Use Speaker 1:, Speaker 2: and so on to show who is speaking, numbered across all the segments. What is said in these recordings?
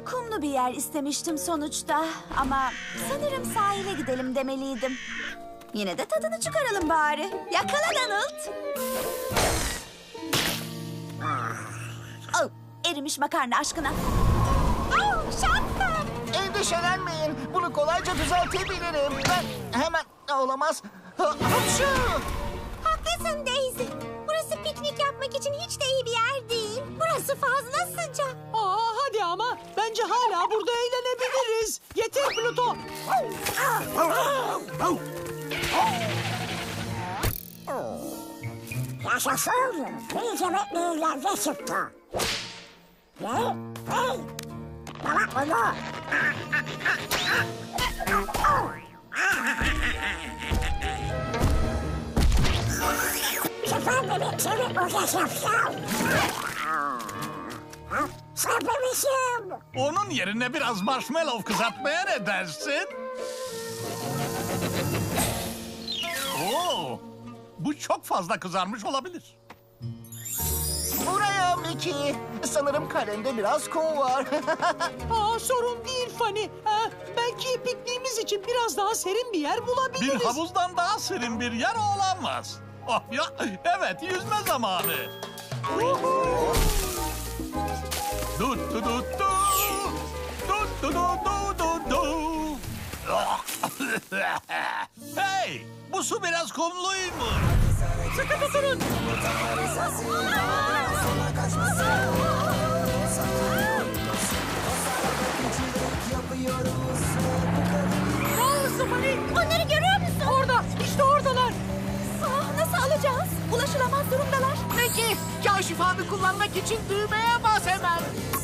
Speaker 1: kumlu bir yer istemiştim sonuçta. Ama sanırım sahile gidelim demeliydim. Yine de tadını çıkaralım bari. Yakala Donald. Oh, erimiş makarna aşkına. Oh, şapkam.
Speaker 2: Endişelenmeyin. Bunu kolayca düzeltebilirim. Ben hemen... Olamaz. Hapşu!
Speaker 1: Haklısın Daisy. Burası piknik yapmak için hiç de iyi bir yer değil. Burası fazla sıcak.
Speaker 3: Hadi ama. Bence hala burada eğlenebiliriz. Yeter Pluto.
Speaker 4: Yaşasın. İyice bekleyirler çıktı. Ne? Hey! Bana bunu. Süper bebek seni boşa şapşal. Sarpmışım.
Speaker 5: Onun yerine biraz marshmallow kızartmaya ne dersin? Oo, bu çok fazla kızarmış olabilir.
Speaker 2: Buraya Mickey. Sanırım kalende biraz kum var.
Speaker 3: Sorun değil Fanny. Belki pikniğimiz için biraz daha serin bir yer bulabiliriz.
Speaker 5: Bir havuzdan daha serin bir yer olamaz. Oh ya, evet yüzme zamanı. Dut du dut du. Dut du du du du du. Hey, bu su biraz kumluymuş.
Speaker 3: Sıkı tutunun. Ne olursun Fanny?
Speaker 1: Onları görüyor musun?
Speaker 3: Orada. İşte oradalar.
Speaker 1: Nasıl alacağız? Ulaşılamaz durumdalar.
Speaker 2: Mickey, kaşifanı kullanmak için düğmeye bas hemen.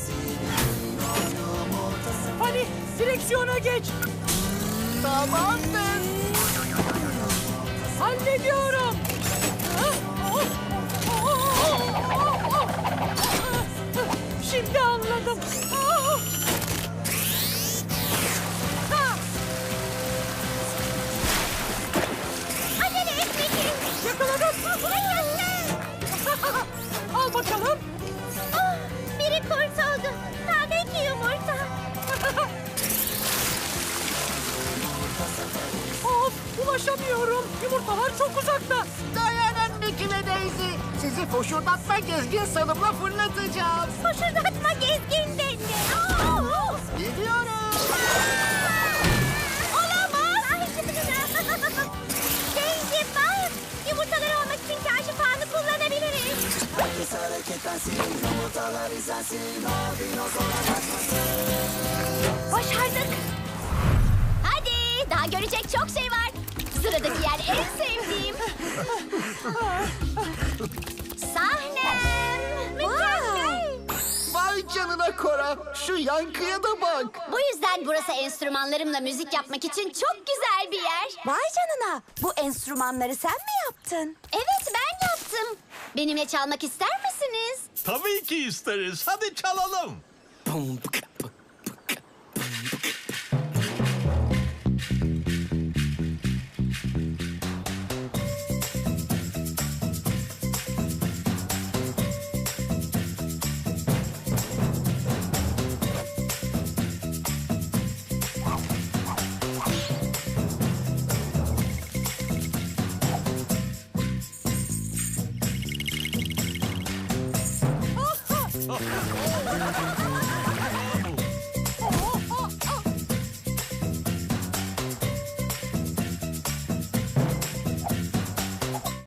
Speaker 3: Fanny direksiyona geç.
Speaker 2: Tamamdır.
Speaker 3: Hallediyorum. Şimdi anladım.
Speaker 1: Acele et Mickey.
Speaker 3: Yakaladım. Al bakalım.
Speaker 1: Ah, biri kurtuldu. Tabii yumurta.
Speaker 3: Of, ulaşamıyorum. Yumurtalar çok uzakta.
Speaker 2: Dayanın Mickey ve Daisy. Sizi foşurdatma gezgin sanımla fırlatacağım.
Speaker 1: Koşurdatma gezgin dedi.
Speaker 2: Gidiyorum.
Speaker 1: Olamaz. Daisy bak. Yumurtaları almak için kaşifanı kullanabiliriz. Başardık. Hadi daha görecek çok şey var. Sıradaki yer en sevdiğim. Sahnem. Mükemmel.
Speaker 2: Vay canına Cora. Şu yankıya da bak.
Speaker 1: Bu yüzden burası enstrümanlarımla müzik yapmak için çok güzel bir yer. Vay canına. Bu enstrümanları sen mi yaptın? Evet ben yaptım. Benimle çalmak ister misiniz?
Speaker 5: Tabii ki isteriz. Hadi çalalım.
Speaker 6: Boom, bık,